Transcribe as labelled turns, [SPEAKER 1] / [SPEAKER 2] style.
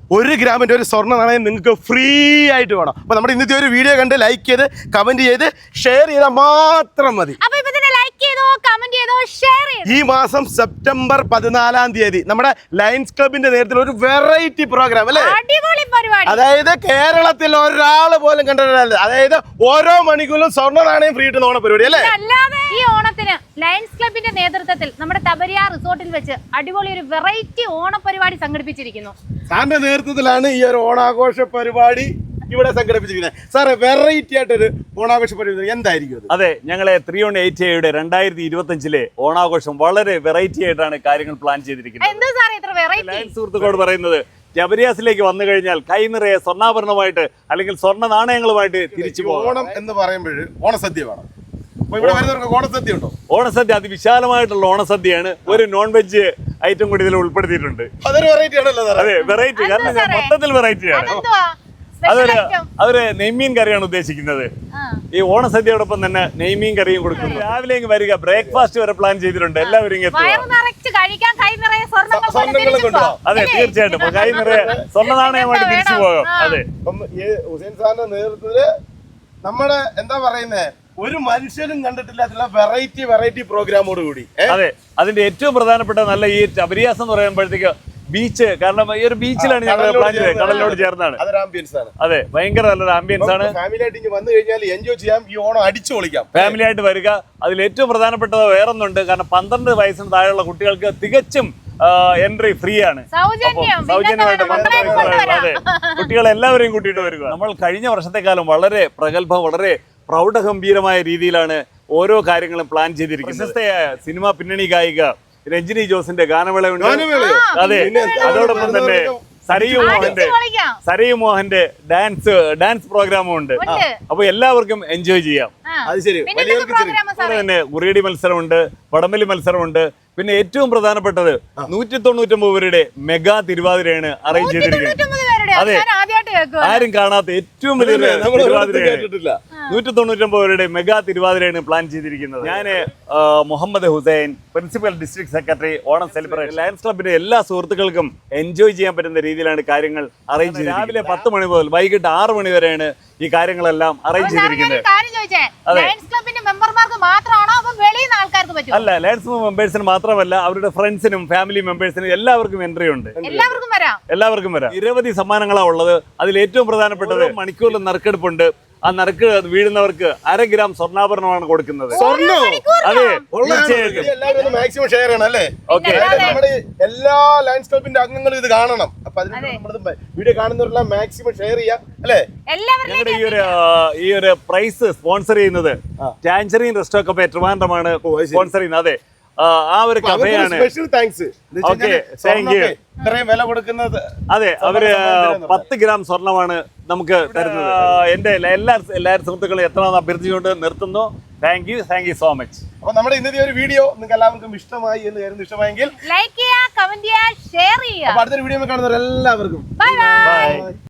[SPEAKER 1] 1 ഗ്രാമിന്റെ ഒരു സ്വർണ്ണ നാണയം നിങ്ങൾക്ക് ഫ്രീ ആയിട്ട് വേണം. അപ്പൊ നമ്മുടെ ഇന്നത്തെ ഒരു വീഡിയോ കണ്ട് ലൈക്ക് ചെയ്ത് കമന്റ് ചെയ്ത് ഷെയർ ചെയ്താൽ മാത്രം മതി. ഈ മാസം സെപ്റ്റംബർ 14-ാം തീയതി നമ്മുടെ ലയൺസ് ക്ലബിന്റെ നേതൃത്വത്തിൽ ഒരു വെറൈറ്റി പ്രോഗ്രാം അല്ലേ, അതായത് കേരളത്തിൽ ഒരാൾ പോലും കണ്ടിട്ടില്ല. അതായത് ഓരോ മണിക്കൂറിലും സ്വർണ്ണ നാണയം ഫ്രീ ഇട്ട് ഓണ പരിപാടി അല്ലേ.
[SPEAKER 2] ഈ ഓണത്തിന് ലയൺസ് ക്ലബിന്റെ നേതൃത്വത്തിൽ നമ്മുടെ തബരിയ റിസോർട്ടിൽ വെച്ച് അടിപൊളി ഒരു വെറൈറ്റി ഓണ പരിപാടി സംഘടിപ്പിച്ചിരിക്കുന്നു.
[SPEAKER 1] സാറിന്റെ നേതൃത്വത്തിലാണ് ഈ ഒരു ഓണാഘോഷ പരിപാടി ഇവിടെ സംഘടിപ്പിച്ചിരിക്കുന്നത്. സാറേ, വെറൈറ്റി ആയിട്ടൊരു ഓണാഘോഷ പരിപാടി എന്തായിരിക്കും അത്?
[SPEAKER 3] അതെ, ഞങ്ങളെ 318 2025 ഓണാഘോഷം വളരെ വെറൈറ്റി ആയിട്ടാണ് കാര്യങ്ങൾ പ്ലാൻ ചെയ്തിരിക്കുന്നത്. ലയൺസ് സുഹൃത്തുക്കളോട് പറയുന്നത്, ജബരിയാസിലേക്ക് വന്നു കഴിഞ്ഞാൽ കൈ നിറയെ സ്വർണ്ണാഭരണമായിട്ട് അല്ലെങ്കിൽ സ്വർണ്ണ നാണയങ്ങളുമായിട്ട് തിരിച്ചു പോകും.
[SPEAKER 1] ഓണം എന്ന് പറയുമ്പോൾ ഓണസദ്യ വേണം. ഇവിടെ വരുന്നവർക്ക് ഓണസദ്യ ഉണ്ടോ?
[SPEAKER 3] ഓണസദ്യ അതിവിശാലമായിട്ടുള്ള ഓണസദ്യയാണ്. ഒരു നോൺ വെജ് ഐറ്റം കൂടി ഇതിൽ ഉൾപ്പെടുത്തിയിട്ടുണ്ട്.
[SPEAKER 1] അതൊരു വെറൈറ്റി ആണല്ലോ.
[SPEAKER 3] അതെ, വെറൈറ്റി, കാരണം മൊത്തത്തിൽ വെറൈറ്റിയാണ്. അതൊരു നെയ്മീൻ കറിയാണ് ഉദ്ദേശിക്കുന്നത്. ഈ ഓണസദ്യയോടൊപ്പം തന്നെ നെയ്മീൻ കറിയും കൊടുക്കുന്നു. രാവിലെ വരിക, ബ്രേക്ക്ഫാസ്റ്റ് വരെ പ്ലാൻ ചെയ്തിട്ടുണ്ട്. എല്ലാവരും അതെ, തീർച്ചയായിട്ടും കൈ നിറയെ സ്വർണ്ണ നാണയമായിട്ട് തിരിച്ചു പോകാം. അതെ,
[SPEAKER 1] ഹുസൈൻ സാറിന്റെ നേതൃത്വത്തില് നമ്മുടെ എന്താ പറയുന്നത്, ഒരു മനുഷ്യനും കണ്ടിട്ടില്ലാത്ത വെറൈറ്റി പ്രോഗ്രാമോട് കൂടി.
[SPEAKER 3] അതെ, അതിന്റെ ഏറ്റവും പ്രധാനപ്പെട്ട നല്ല ഈ തബരിയാസ് എന്ന് പറയുമ്പോഴത്തേക്ക് ബീച്ച്, കാരണം ഈ ഒരു ബീച്ചിലാണ് ഞങ്ങൾ പ്ലാൻ ചെയ്തത്, കടലിനോട് ചേർന്നാണ്. അതെ, ഭയങ്കര നല്ലൊരു ആംബിയൻസ് ആണ്.
[SPEAKER 1] ഫാമിലി ആയിട്ട് വന്നു കഴിഞ്ഞാൽ എൻജോയ് ചെയ്യാം, ഈ ഓണം അടിച്ചു പൊളിക്കാം.
[SPEAKER 3] ഫാമിലി ആയിട്ട് വരിക. അതിൽ ഏറ്റവും പ്രധാനപ്പെട്ടത് വേറൊന്നുണ്ട്, കാരണം 12 വയസ്സിന് താഴെയുള്ള കുട്ടികൾക്ക് തികച്ചും എൻട്രി ഫ്രീ ആണ്, സൗജന്യമായിട്ട്. അതെ, കുട്ടികളെല്ലാവരെയും കൂട്ടിയിട്ട് വരിക. നമ്മൾ കഴിഞ്ഞ വർഷത്തെക്കാലം വളരെ പ്രഗത്ഭം, വളരെ പ്രൗഢഗംഭീരമായ രീതിയിലാണ് ഓരോ കാര്യങ്ങളും പ്ലാൻ ചെയ്തിരിക്കുന്നത്. പ്രശസ്തയായ സിനിമാ പിന്നണി ഗായിക രഞ്ജിനി ജോസിന്റെ ഗാനമേളയുണ്ട്. അതെ, അതോടൊപ്പം തന്നെ സരയു മോഹന്റെ ഡാൻസ് പ്രോഗ്രാമും ഉണ്ട്. അപ്പൊ എല്ലാവർക്കും എൻജോയ് ചെയ്യാം. തന്നെ ഉറിയടി മത്സരമുണ്ട്, വടംവലി മത്സരമുണ്ട്. പിന്നെ ഏറ്റവും പ്രധാനപ്പെട്ടത് 199 പേരുടെ മെഗാ തിരുവാതിരയാണ് അറേഞ്ച് ചെയ്തിരിക്കുന്നത്. അതെ, ആരും കാണാത്ത ഏറ്റവും വലിയ 199 പേരുടെ മെഗാ തിരുവാതിരയാണ് പ്ലാൻ ചെയ്തിരിക്കുന്നത്. ഞാൻ Muhammad Hussain, principal district secretary, Onam celebration lions ക്ലബിന്റെ എല്ലാ സുഹൃത്തുക്കൾക്കും എൻജോയ് ചെയ്യാൻ പറ്റുന്ന രീതിയിലാണ് കാര്യങ്ങൾ അറേഞ്ച് ചെയ്തത്. രാവിലെ 10 മണി മുതൽ വൈകിട്ട് 6 മണി വരെയാണ് ഈ കാര്യങ്ങളെല്ലാം അറേഞ്ച് ചെയ്തിരിക്കുന്നത്. അല്ല, ലയൺസ് മെമ്പേഴ്സിന് മാത്രമല്ല, അവരുടെ ഫ്രണ്ട്സിനും ഫാമിലി മെമ്പേഴ്സിനും എല്ലാവർക്കും എൻട്രി ഉണ്ട്. എല്ലാവർക്കും വരാം. നിരവധി സമ്മാനങ്ങളാണ് ഉള്ളത്. അതിൽ ഏറ്റവും പ്രധാനപ്പെട്ടത് മണിക്കൂറിൽ നറുക്കെടുപ്പുണ്ട്. ആ നറുക്ക് വീഴുന്നവർക്ക് 1/2 ഗ്രാം സ്വർണ്ണാഭരണമാണ് കൊടുക്കുന്നത്. അതെ,
[SPEAKER 1] തീർച്ചയായിട്ടും മാക്സിമം ഷെയർ ചെയ്യണം അല്ലേ. ഓക്കെ, നമ്മുടെ എല്ലാ ലയൺസ് ക്ലബിന്റെ അംഗങ്ങളും ഇത് കാണണം. അപ്പൊ അതിന് വീഡിയോ കാണുന്നവരെല്ലാം മാക്സിമം ഷെയർ ചെയ്യാം അല്ലേ.
[SPEAKER 3] ഞങ്ങളുടെ ഈ ഒരു പ്രൈസ് സ്പോൺസർ ചെയ്യുന്നത് ടാൻജറീൻ റെസ്റ്റോ കഫേ ട്രിവാൻഡ്രമാണ് സ്പോൺസർ ചെയ്യുന്നത്. അതെ, ആ ഒരു കഫേയാണ്.
[SPEAKER 1] Special thanks.
[SPEAKER 3] Okay, thank you.
[SPEAKER 1] ഇത്രയും വില കൊടുക്കുന്നത്.
[SPEAKER 3] അതെ, അവര് 10 ഗ്രാം സ്വർണ്ണമാണ് നമുക്ക് തരുന്നത്. എന്റെ എല്ലാ സുഹൃത്തുക്കളും എത്രയെന്ന് അഭ്യർത്ഥിച്ചുകൊണ്ട് നിർത്തുന്നു. Thank you so much.
[SPEAKER 1] അപ്പൊ നമ്മുടെ ഇന്നത്തെ ഒരു വീഡിയോ നിങ്ങൾക്ക് എല്ലാവർക്കും ഇഷ്ടമായി എന്ന് കരുതുന്നു. ഇഷ്ടമായെങ്കിൽ
[SPEAKER 2] ലൈക്ക് ചെയ്യുക, കമന്റ് ചെയ്യുക, ഷെയർ ചെയ്യുക.
[SPEAKER 1] അടുത്തൊരു വീഡിയോ കാണുന്നവർ എല്ലാവർക്കും
[SPEAKER 3] ബൈ.